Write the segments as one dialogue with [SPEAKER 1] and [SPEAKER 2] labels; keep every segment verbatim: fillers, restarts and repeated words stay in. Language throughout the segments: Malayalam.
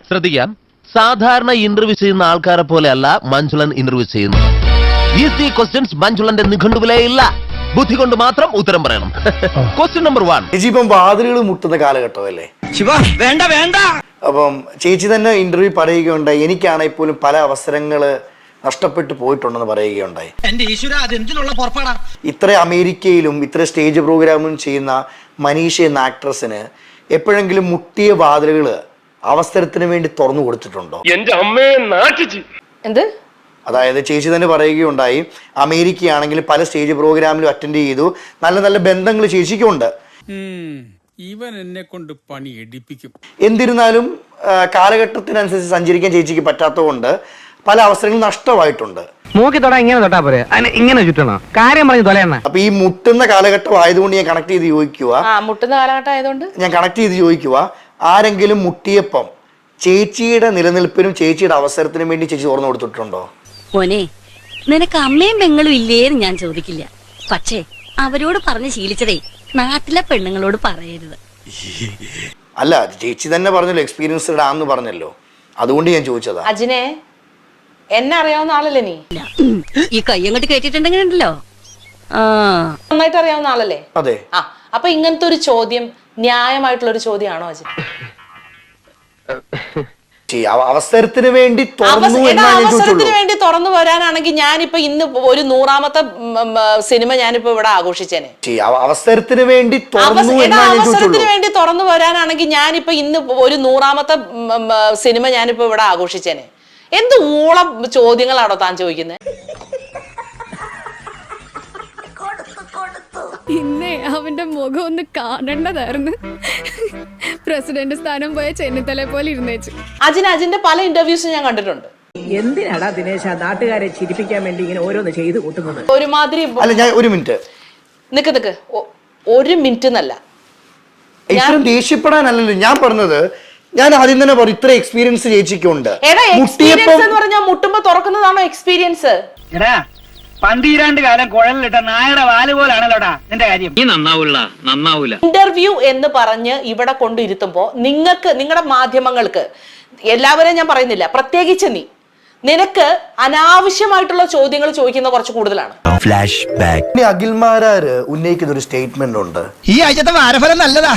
[SPEAKER 1] ശ്രദ്ധിക്കാം, സാധാരണ ഇന്റർവ്യൂ ചെയ്യുന്ന ആൾക്കാരെ പോലെയല്ല മഞ്ജുളൻ ഇന്റർവ്യൂ ചെയ്യുന്നത്. ഈസി ക്വസ്റ്റ്യൻസ് മഞ്ജുളന്റെ നിഘണ്ടുവിലേ ഇല്ല. ബുദ്ധി കൊണ്ട് മാത്രം ഉത്തരം പറയണം. Question number one.
[SPEAKER 2] ചേച്ചി ഇപ്പം വാതിലുകൾ മുട്ടുന്ന കാലഘട്ടമല്ലേ?
[SPEAKER 3] വേണ്ട വേണ്ട.
[SPEAKER 2] അപ്പം ചേച്ചി തന്നെ ഇന്റർവ്യൂ പറയുകയുണ്ടായി, എനിക്കാണെങ്കിൽ പോലും പല അവസരങ്ങള് നഷ്ടപ്പെട്ടു പോയിട്ടുണ്ടെന്ന് പറയുകയുണ്ടായി.
[SPEAKER 3] എന്റെ ഈശ്വര, അതെന്തിനുള്ള പുറപ്പാടാ?
[SPEAKER 2] ഇത്ര അമേരിക്കയിലും ഇത്ര സ്റ്റേജ് പ്രോഗ്രാമും ചെയ്യുന്ന മനീഷ എന്ന ആക്ട്രസിന് എപ്പോഴെങ്കിലും മുട്ടിയ വാതിലുകൾ അവസരത്തിന് വേണ്ടി തുറന്നു കൊടുത്തിട്ടുണ്ടോ?
[SPEAKER 4] എന്റെ അമ്മയെ നാട്ടിച്ച്.
[SPEAKER 5] എന്ത്?
[SPEAKER 2] അതായത് ചേച്ചി തന്നെ പറയുകയുണ്ടായി, അമേരിക്കയാണെങ്കിൽ പല സ്റ്റേജ് പ്രോഗ്രാമിലും അറ്റൻഡ് ചെയ്തു, നല്ല നല്ല ബന്ധങ്ങൾ ചേച്ചിക്കുണ്ട്.
[SPEAKER 6] ഇവൻ എന്നെ കൊണ്ട് പണി എടുപ്പിക്കും.
[SPEAKER 2] എന്നിരുന്നാലും കാലഘട്ടത്തിനനുസരിച്ച് സഞ്ചരിക്കാൻ ചേച്ചിക്ക് പറ്റാത്തതുകൊണ്ട് പല അവസരങ്ങളും നഷ്ടമായിട്ടുണ്ട്.
[SPEAKER 7] മൂക്കി തൊടാ ഇങ്ങനെ തൊട്ടാ പോരെ, ഇങ്ങനെ ചുറ്റണോ? കാര്യം പറഞ്ഞു തൊലയെണ്ണ.
[SPEAKER 2] അപ്പൊ ഈ മുട്ടുന്ന കാലഘട്ടം ആയതുകൊണ്ട് ഞാൻ കണക്ട് ചെയ്ത് ചോദിക്കുക
[SPEAKER 5] മുട്ടുന്ന കാലഘട്ടം ആയതുകൊണ്ട് ഞാൻ
[SPEAKER 2] കണക്ട് ചെയ്ത് ചോദിക്കുക ആരെങ്കിലും മുട്ടിയപ്പം ചേച്ചിയുടെ നിലനിൽപ്പിനും ചേച്ചിയുടെ അവസരത്തിനും വേണ്ടി ചേച്ചി തുറന്നു കൊടുത്തിട്ടുണ്ടോ?
[SPEAKER 8] മോനെ, നിനക്ക് അമ്മയും പെങ്ങളും ഇല്ലേന്ന് ഞാൻ ചോദിക്കില്ല. പക്ഷേ അവരോട് പറഞ്ഞ് ശീലിച്ചതേ നാട്ടിലെ പെണ്ണുങ്ങളോട് പറയരുത്.
[SPEAKER 2] അല്ല, ചേച്ചി തന്നെ പറഞ്ഞല്ലോ എക്സ്പീരിയൻസ്ഡ് ആണെന്ന് പറഞ്ഞല്ലോ, അതുകൊണ്ട് ഞാൻ ചോദിച്ചതാ.
[SPEAKER 5] അജിനെ, എന്നെ അറിയാവുന്ന ആളല്ലേ നീ?
[SPEAKER 8] ഈ കൈ അങ്ങോട്ട് കേട്ടിട്ടുണ്ടെങ്കിൽ ഉണ്ടല്ലോ,
[SPEAKER 5] നന്നായിട്ട് അറിയാവുന്ന ആളല്ലേ?
[SPEAKER 2] അതെ.
[SPEAKER 5] ആ, അപ്പൊ ഇങ്ങനത്തെ ഒരു ചോദ്യം ന്യായമായിട്ടുള്ള ഒരു ചോദ്യമാണോ അജിൻ?
[SPEAKER 2] അവസരത്തിന് വേണ്ടി
[SPEAKER 5] അവസരത്തിന് വേണ്ടി തുറന്നു വരാനാണെങ്കിൽ ഞാനിപ്പോ ഇന്ന് ഒരു നൂറാമത്തെ സിനിമ ഞാനിപ്പോ ഇവിടെ ആഘോഷിച്ചേനെ.
[SPEAKER 2] അവസരത്തിന് വേണ്ടി
[SPEAKER 5] അവസരത്തിന് വേണ്ടി തുറന്നു വരാനാണെങ്കിൽ ഞാനിപ്പോ ഇന്ന് ഒരു നൂറാമത്തെ സിനിമ ഞാനിപ്പോ ഇവിടെ ആഘോഷിച്ചേനെ. എന്ത് ഊള ചോദ്യങ്ങളാണോ താൻ ചോദിക്കുന്നത്?
[SPEAKER 9] ഇന്നേ അവന്റെ മുഖം ഒന്ന് കാണേണ്ടതായിരുന്നു. പ്രസിഡന്റ് സ്ഥാനം പോയ ചെന്നിത്തലയെ പോലെ ഇരുന്നേച്ചു.
[SPEAKER 5] അജിൻ അജിന്റെ പല ഇന്റർവ്യൂസും ഞാൻ കണ്ടിട്ടുണ്ട്.
[SPEAKER 10] എന്തിനാടാ ദിനേശ നാട്ടുകാരെ ചിരിപ്പിക്കാൻ വേണ്ടി ഇങ്ങനെ ഓരോന്ന് ചെയ്ത് കൂട്ടുന്നത്?
[SPEAKER 5] ഒരുമാതിരി.
[SPEAKER 2] അല്ല, ഞാൻ ഒരു മിനിറ്റ്
[SPEAKER 5] നിക്ക് നിക്ക് ഒരു മിനിറ്റ് എന്നല്ല,
[SPEAKER 2] ഇത്രയും ദേഷ്യപ്പെടാനല്ലല്ലോ ഞാൻ പറഞ്ഞത്. ഞാൻ ആദ്യം തന്നെ പറയും, ഇത്ര എക്സ്പീരിയൻസ് ചേച്ചിക്കുണ്ട്.
[SPEAKER 5] എക്സ്പീരിയൻസ് എന്ന് പറഞ്ഞാൽ മുട്ടുമ്പോ തുറക്കുന്നതാണോ എക്സ്പീരിയൻസ്?
[SPEAKER 7] പന്തീരാണ്ട് കാലം കുഴലിട്ട നായയുടെ വാല് പോലാണല്ലോടാ നിന്റെ കാര്യം.
[SPEAKER 3] നീ നന്നാവൂല നന്നാവൂല.
[SPEAKER 5] ഇന്റർവ്യൂ എന്ന് പറഞ്ഞ് ഇവിടെ കൊണ്ടിരുത്തുമ്പോ നിങ്ങൾക്ക്, നിങ്ങളുടെ മാധ്യമങ്ങൾക്ക്, എല്ലാവരെയും ഞാൻ പറയുന്നില്ല, പ്രത്യേകിച്ച് നീ, നിനക്ക് അനാവശ്യമായിട്ടുള്ള ചോദ്യങ്ങൾ ചോദിക്കുന്ന കുറച്ച് കൂടുതലാണ്.
[SPEAKER 2] Flash back. അഖിൽമാരാര് ഉന്നയിക്കുന്ന ഒരു സ്റ്റേറ്റ്മെന്റ് ഉണ്ട്,
[SPEAKER 3] ഈ ആഴ്ചത്തെ വാരഫലം നല്ലതാ,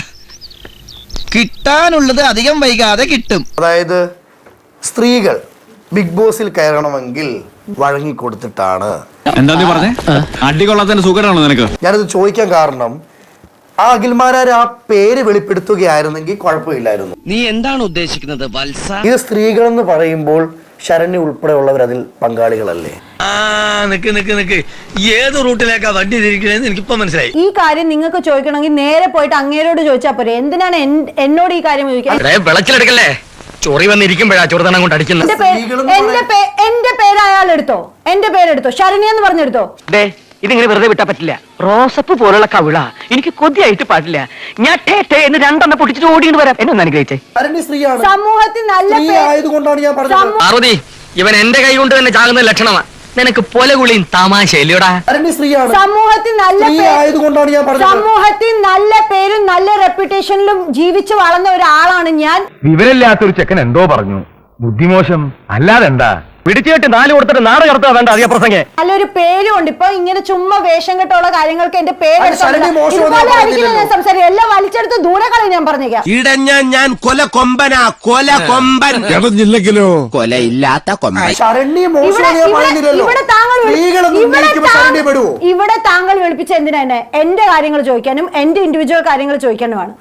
[SPEAKER 3] കിട്ടാനുള്ളത് അധികം വൈകാതെ കിട്ടും.
[SPEAKER 2] അതായത് സ്ത്രീകൾ ബിഗ് ബോസിൽ കയറണമെങ്കിൽ വഴങ്ങിക്കൊടുത്തിട്ടാണ്.
[SPEAKER 6] എന്താ നീ പറഞ്ഞേ? അടികൊള്ളാത്തതിന്റെ സുഖമാണോ നിനക്ക്?
[SPEAKER 2] ഞാനത് ചോദിക്കാൻ കാരണം, ആ അഖിൽമാരാര് ആ പേര് വെളിപ്പെടുത്തുകയായിരുന്നെങ്കിൽ കുഴപ്പമില്ലായിരുന്നു.
[SPEAKER 3] നീ എന്താണ് ഉദ്ദേശിക്കുന്നത് വത്സ?
[SPEAKER 2] ഇത് സ്ത്രീകളെന്ന് പറയുമ്പോൾ ശരണ്യ ഉൾപ്പെടെയുള്ളവർ അതിൽ പങ്കാളികളല്ലേ?
[SPEAKER 3] ആ നിക്ക് നിക്ക് നിക്ക് ഏത് റൂട്ടിലേക്കാ വണ്ടി തിരിക്കണേന്ന് എനിക്കിപ്പോ മനസ്സിലായി.
[SPEAKER 11] ഈ കാര്യം നിങ്ങൾക്ക് ചോദിക്കണമെങ്കിൽ നേരെ പോയിട്ട് അങ്ങേരോട് ചോദിച്ചാൽ പോരെ. എന്തിനാണ് എന്നോട് ഈ കാര്യം ചോദിക്കാൻ?
[SPEAKER 3] വിളച്ചിലെടുക്കല്ലേ, ചൊറി വന്നിരിക്കുമ്പോഴാ ചൊറുതണം കൊണ്ട് അടിക്കുന്നത്.
[SPEAKER 11] എന്റെ പേര് അയാൾ എടുത്തോ, എന്റെ പേരെടുത്തോ, ശരണ്യ എന്ന് പറഞ്ഞെടുത്തോ.
[SPEAKER 7] ഇതിങ്ങനെ വെറുതെ വിട്ടാ പറ്റില്ല. റോസപ്പ് പോലുള്ള കവിള എനിക്ക് കൊതിയായിട്ട് പാടില്ല. ഞാൻ ടേ ടേ എന്ന് രണ്ടെണ്ണം പൊട്ടിച്ചിട്ട് ഓടിയിട്ട് വരാം. എന്നെ ഒന്ന് അനുഗ്രഹിച്ചേ.
[SPEAKER 11] സമൂഹത്തിൽ നല്ല
[SPEAKER 2] ആയതുകൊണ്ടാണ് ഞാൻ പറഞ്ഞത്.
[SPEAKER 3] പാർവതി, ഇവൻ എന്റെ കൈ കൊണ്ട് തന്നെ ചാകുന്ന ലക്ഷണമാ. നിനക്ക് പൊലകുളിയും തമാശയില്ലടാ.
[SPEAKER 11] സമൂഹത്തിൽ നല്ല
[SPEAKER 2] ആയതുകൊണ്ടാണ് ഞാൻ പറഞ്ഞത്.
[SPEAKER 11] സമൂഹത്തിൽ നല്ല പേരും നല്ല റെപ്യൂട്ടേഷനിലും ജീവിച്ചു വളർന്ന ഒരാളാണ് ഞാൻ.
[SPEAKER 7] വിവരമില്ലാത്തൊരു ചെക്കൻ എന്തോ പറഞ്ഞു, ബുദ്ധിമോശം അല്ലാതെന്താ. പിടിച്ചുകെട്ടി നാല് കൊടുത്തിട്ട് നാട് കടത്താ വേണ്ട അധിക പ്രസംഗം.
[SPEAKER 11] നല്ലൊരു പേരും ഉണ്ട്. ഇപ്പൊ ഇങ്ങനെ ചുമ്മാ വേഷം കെട്ടുള്ള കാര്യങ്ങൾക്ക് എന്റെ പേര് സംസാരിക്കും. എല്ലാം വലിച്ചെടുത്ത് ദൂരെ കളയും. ഞാൻ പറഞ്ഞേക്കാം,
[SPEAKER 3] ഇടഞ്ഞ ഞാൻ കൊല കൊമ്പനാ, കൊല കൊമ്പൻ
[SPEAKER 6] ഇല്ലെങ്കിലോ
[SPEAKER 3] കൊലയില്ലാത്ത കൊമ്പൻ.
[SPEAKER 11] ഇവിടെ താങ്കൾ ഇവിടെ താങ്കൾ വിളിപ്പിച്ച എന്തിനാ എന്നെ? എന്റെ കാര്യങ്ങൾ ചോദിക്കാനും എന്റെ ഇൻഡിവിജ്വൽ കാര്യങ്ങൾ ചോദിക്കാനുമാണ്.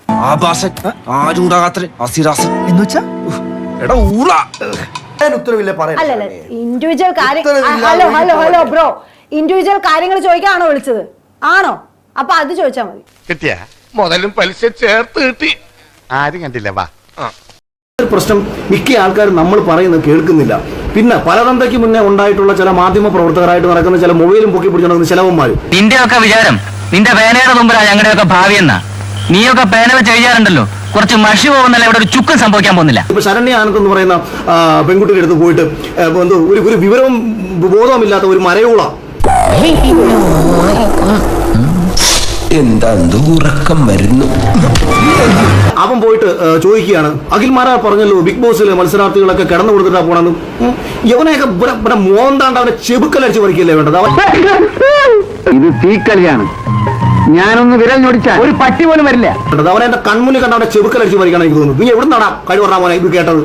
[SPEAKER 11] അല്ലല്ല, ഇൻഡിവിജ്വൽ കാര്യം. Hello hello hello bro, individual കാര്യങ്ങൾ ചോദിക്കാണോ വിളിച്ചത്? ആണോ? അപ്പൊ അത് ചോദിച്ചാ മതി.
[SPEAKER 4] കിട്ടിയ മുതലും പലിശ ചേർത്ത് കിട്ടി. ആരും കണ്ടില്ല. വാ.
[SPEAKER 2] പ്രശ്നം മിക്ക ആൾക്കാരും നമ്മൾ പറയുന്നത് കേൾക്കുന്നില്ല. പിന്നെ പലതന്തയ്ക്ക് മുന്നേ ഉണ്ടായിട്ടുള്ള ചില മാധ്യമ പ്രവർത്തകരായിട്ട് നടക്കുന്ന ചില മൊബൈലും പൊക്കി പിടിച്ചു നടക്കുന്ന ചിലവന്മാർ.
[SPEAKER 7] നിന്റെ ഒക്കെ വിചാരം നിന്റെ പേനയുടെ മുമ്പിലാ ഞങ്ങളുടെയൊക്കെ ഭാവി എന്നാ. നീയൊക്കെ പേന വെച്ച് എഴുതാറുണ്ടല്ലോ, കുറച്ച് മഷി പോകുന്നല്ല ഇവിടെ ഒരു ചുക്കും സംഭവിക്കാൻ പോകുന്നില്ല.
[SPEAKER 2] ഇപ്പൊ ശരണ്യ ആനന്ദ് എന്ന് പറയുന്ന പെൺകുട്ടിയുടെ അടുത്ത് പോയിട്ട് എന്തോ ഒരു ഒരു വിവരവും ബോധവുമില്ലാത്ത ഒരു മരയോള
[SPEAKER 1] എന്താ ഉറക്കം വരുന്നു.
[SPEAKER 2] അവൻ പോയിട്ട് ചോദിക്കുകയാണ്, അഖിൽമാരാ പറഞ്ഞല്ലോ ബിഗ് ബോസിൽ മത്സരാർത്ഥികളൊക്കെ കിടന്നു കൊടുത്തിട്ടാ പോണെന്ന്. യവനെയൊക്കെ ഇവിടെ മോന്താണ്ട് അവനെ ചെബുക്കലടിച്ച് പറിക്കല്ലേ വേണ്ടത്.
[SPEAKER 7] ഇത് തീക്കളിയാണ്. ഞാനൊന്ന് വിരൽ ഞൊടിച്ചാൽ ഒരു പട്ടി പോലും വരില്ല.
[SPEAKER 2] അവനെ എന്റെ കൺമുന്നിൽ കണ്ട അവനെ ചെബുക്കലടിച്ച് പറിക്കണം എനിക്ക് തോന്നുന്നു. നീ എവിടെ നടാ കഴിവ് പറഞ്ഞാ മോനെ ഇത് കേട്ടത്?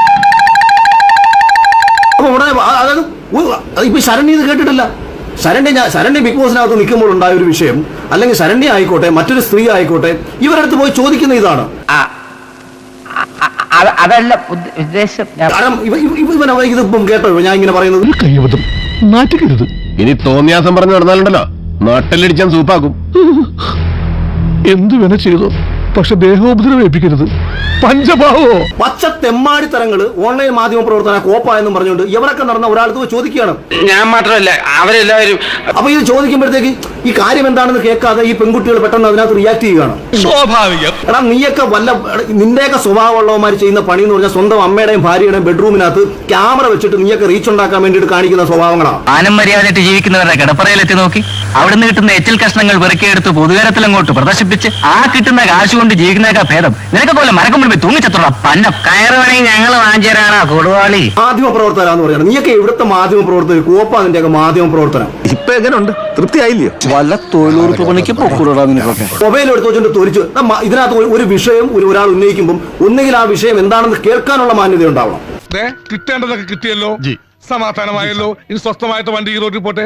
[SPEAKER 2] അപ്പൊ ഉടനെ അതായത് ഇപ്പൊ ശരണ്യ ഇത് കേട്ടിട്ടില്ല. ശരണ്യ ഞാൻ ശരണ്യ ബിഗ് ബോസിനകത്ത് നിൽക്കുമ്പോൾ ഉണ്ടായ ഒരു വിഷയം, അല്ലെങ്കിൽ ശരണ്യ ആയിക്കോട്ടെ മറ്റൊരു സ്ത്രീ ആയിക്കോട്ടെ, ഇവരടുത്ത് പോയി ചോദിക്കുന്ന ഇതാണ്.
[SPEAKER 7] അതല്ല ഉദ്ദേശം.
[SPEAKER 2] കാരണം ഇവൻ ഇതിപ്പം കേട്ടോ ഞാൻ ഇങ്ങനെ പറയുന്നത്.
[SPEAKER 1] കൈവതം നാറ്റുകരുത്. ഇനി തോന്നിയാസം പറഞ്ഞു നടന്നാലുണ്ടല്ലോ നാട്ടിലടിച്ചാൻ സൂപ്പാക്കും.
[SPEAKER 4] എന്തു വേണ ചെയ്തോ, പക്ഷെ ദേഹോപദ്രവം ഏൽപ്പിക്കരുത്. പഞ്ചഭാവോ
[SPEAKER 2] പച്ച തെമ്മാടിത്തരങ്ങള് ഓൺലൈൻ മാധ്യമ പ്രവർത്തന കോപ്പ എന്നും പറഞ്ഞുകൊണ്ട് ഇവരൊക്കെ നടന്ന ഒരാൾക്ക് പോയി ചോദിക്കുകയാണ്.
[SPEAKER 3] ഞാൻ മാത്രമല്ല അവരെല്ലാവരും.
[SPEAKER 2] അപ്പൊ ഇത് ചോദിക്കുമ്പോഴത്തേക്ക് ഈ കാര്യം എന്താണെന്ന് കേൾക്കാതെ ഈ പെൺകുട്ടികൾ പെട്ടെന്ന് അതിനകത്ത് റിയാക്ട് ചെയ്യുകയാണ്.
[SPEAKER 4] സ്വാഭാവികം.
[SPEAKER 2] എടാ നീയൊക്കെ വല്ല നിന്റെയൊക്കെ സ്വഭാവമുള്ളവന്മാർ ചെയ്യുന്ന പണി എന്ന് പറഞ്ഞാൽ സ്വന്തം അമ്മയുടെയും ഭാര്യയുടെയും ബെഡ്റൂമിനകത്ത് ക്യാമറ വെച്ചിട്ട് നീയൊക്കെ റീച്ച് ഉണ്ടാക്കാൻ വേണ്ടിയിട്ട് കാണിക്കുന്ന സ്വഭാവങ്ങളാണ്.
[SPEAKER 7] ആനം മര്യാദയായിട്ട് ജീവിക്കുന്നവരുടെ കിടപ്പറയിലെത്തി നോക്കി അവിടുന്ന് കിട്ടുന്ന എച്ചിൽ കഷ്ണങ്ങൾ പെറുക്കിയെടുത്ത് പൊതുവേരത്തിലങ്ങോട്ട് പ്രദർശിപ്പിച്ച് ആ കിട്ടുന്ന കാശ് കൊണ്ട് ജീവിക്കുന്നതൊക്കെ ഭേദം. നിനക്ക് പോലെ മരക്കം മുൻപ് തൂങ്ങിച്ചത്തോളാം പന്ന കയറ് വേണമെങ്കിൽ ഞങ്ങൾ വാങ്ങിച്ചേരാണോ കൊടുവാളി.
[SPEAKER 2] മാധ്യമ പ്രവർത്തനാന്ന് പറയുന്നത് നീയൊക്കെ എവിടുത്തെ മാധ്യമ പ്രവർത്തകർ? കോപ്പ അതിന്റെയൊക്കെ മാധ്യമ പ്രവർത്തനം.
[SPEAKER 1] ഇപ്പൊ എങ്ങനെയുണ്ട്? തൃപ്തിയായില്ലയോ? വല്ല തൊഴിലുറപ്പ് പണിക്ക് പൊക്കൂടാ നിനക്കൊക്കെ.
[SPEAKER 2] മൊബൈൽ എടുത്ത് വെച്ചോണ്ട് തൊലിച്ചു. ഇതിനകത്ത് ഒരു വിഷയം ഒരാൾ ഉന്നയിക്കുമ്പോൾ ഒന്നുകിൽ ആ വിഷയം എന്താണെന്ന് കേൾക്കാനുള്ള മാന്യത ഉണ്ടാവണം.
[SPEAKER 4] കിട്ടേണ്ടതൊക്കെ കിട്ടിയല്ലോ, സമാധാനമായല്ലോ. ഇനി സ്വസ്ഥമായിട്ട് വണ്ടി ഈ റോഡിൽ പോട്ടെ.